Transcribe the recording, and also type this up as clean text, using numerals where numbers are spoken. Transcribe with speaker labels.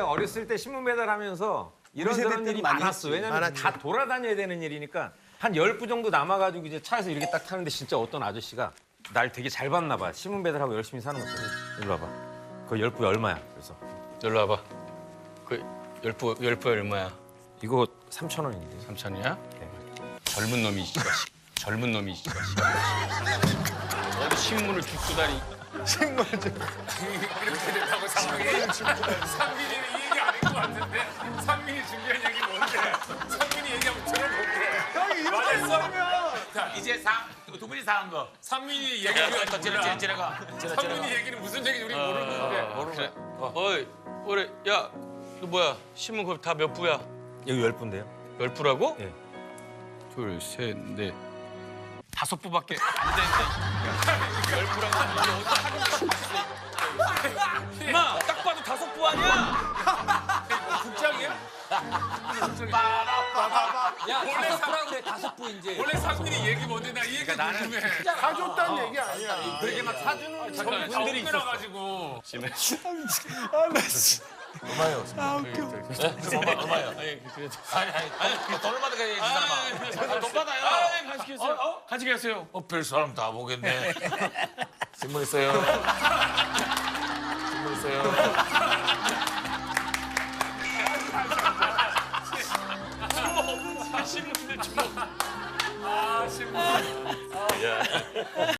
Speaker 1: 어렸을 때 신문 배달하면서 이런저런 일이 많았어. 왜냐면 다 돌아다녀야 되는 일이니까 한 10부 정도 남아가지고 이제 차에서 이렇게 딱 타는데 진짜 어떤 아저씨가 날 되게 잘 봤나 봐. 신문 배달하고 열심히 사는 거죠. 일로 와봐. 그 10부 얼마야? 그래서
Speaker 2: 놀러 와봐. 그 열부 얼마야?
Speaker 1: 이거 3,000원인데.
Speaker 2: 3,000이야? 젊은 놈이 씨가 젊은 놈이 씨가 어디 신문을 줍고 다니.
Speaker 3: 이렇게 된다고 상민이는 이 얘기 아닌 것 같은데 상민이 준비한 얘기 뭔데? 상민이 얘기하면 들어볼게.
Speaker 4: 형이 이렇게 했으면
Speaker 3: 자 이제 두 분이 사는 거. 상민이 얘기 우리가
Speaker 2: 지나가.
Speaker 3: 상민이 얘기는 무슨 얘기인지 우리 모르는데.
Speaker 2: 그래. 어이, 그래. 야, 너 뭐야? 신문 그거 다 몇 부야?
Speaker 1: 여기 10부인데요.
Speaker 2: 10부라고?
Speaker 1: 예.
Speaker 2: 둘, 셋, 넷. 5부밖에 안 되는데. 10부라고 이게 어떡하냐? 마, 딱 봐도 5부 아니야?
Speaker 3: 국장이야?
Speaker 5: 야, 5부라고 그래, 5부 이제.
Speaker 3: 원래 상민이 얘기 뭔데 나 이 얘기 궁금해.
Speaker 4: 사줬다는 얘기 아니야.
Speaker 1: 그렇게 막 사주는 분들이 있었어.
Speaker 3: 가지고.
Speaker 4: 얼마예요?
Speaker 2: 얼마야?
Speaker 3: 아니 돈을 받아가야지 사람아. 돈 받아요.
Speaker 2: 간식했어요. 간식했어요.
Speaker 3: 별 사람 다 보겠네. 신문 있어요. 신문 있어요.